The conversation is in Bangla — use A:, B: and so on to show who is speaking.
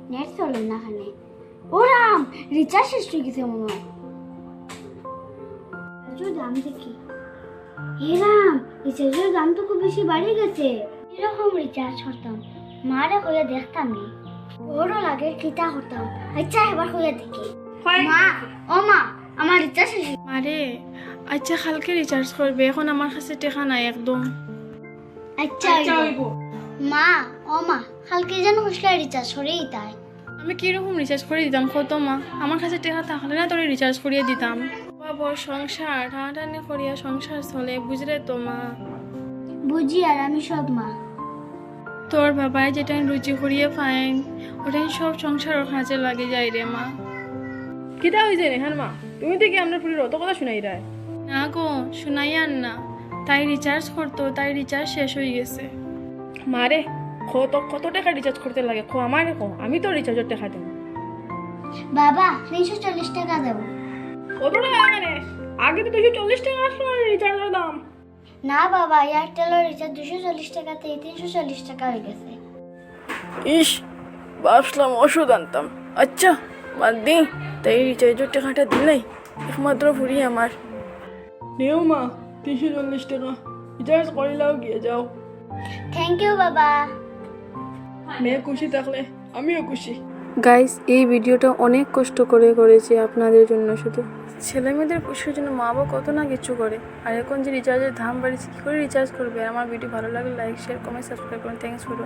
A: নেট চলে না খানে। ওরাম রিচার্জ শেষ হয়ে গেছে মনে হয়। দাম দেখি। এরাম রিচার্জের দাম তো খুব বেশি বাড়ে গেছে। এরকম রিচার্জ করতাম মারে হইয়া দেখতাম নি। বড় লাগে কিতা হতাম। আচ্ছা এবার হইয়া দেখি। মা ও মা আমার রিচার্জ শেষ।
B: মারে আচ্ছা কালকে রিচার্জ করবে, এখন আমার কাছে টাকা নাই একদম।
A: আচ্ছা মা ও মা কালকে যেন হসলা রিচার্জ করেই তাই।
B: আমি কিরকম রিচার্জ করে দিতাম কত মা? আমার কাছে টাকা থাকলে না তোর রিচার্জ করিয়ে দিতাম। বাবা সংসার টানাটানি করিয়া সংসার চলে, বুঝলে তো মা।
A: বুঝি আর আমি সব মা।
B: তোর বাবাই যেটা রুচি করিয়ে পাইন ওটাই সব সংসারের কাজে লাগে যায় রে মা।
C: কিতা হয়েছে রেহান মা? তুমি থেকে আমরা পুরো অত কথা শুনাই রায়।
B: না গো শোনাই আর না, তাই রিচার্জ করতো, তাই রিচার্জ শেষ হয়ে গেছে।
C: মারে কত টাকা রিচার্জ করতে লাগে খো আমারে কো, আমি তো রিচার্জের টাকা দেব।
A: বাবা 340 টাকা দেব।
C: কত টাকা মানে? আগে তো 240 টাকা আসলো রিচার্জের দাম।
A: না বাবা এয়ারটেলের রিচার্জ 240 টাকাতে 340 টাকা হয়ে গেছে।
C: ইস ভাবছিলাম ওষুধ আনতাম। আচ্ছা বাদ দিন, তাই রিচার্জের টাকাটা দিলাই একমাত্র ফুরি আমার। নেও মা 340 টাকা রিচার্জ করিলাও গিয়ে যাও।
A: থ্যাংক ইউ বাবা।
C: মেয়ে খুশি থাকলে আমিও খুশি।
B: গাইস এই ভিডিওটা অনেক কষ্ট করে করেছি আপনাদের জন্য, শুধু ছেলে মেয়েদের খুশির জন্য মা বাবা কত না কিছু করে। আর এখন যে রিচার্জের দাম বাড়িয়েছে, কী করে রিচার্জ করবে? আমার ভিডিও ভালো লাগলে লাইক শেয়ার কমেন্ট সাবস্ক্রাইব করুন। Thanks for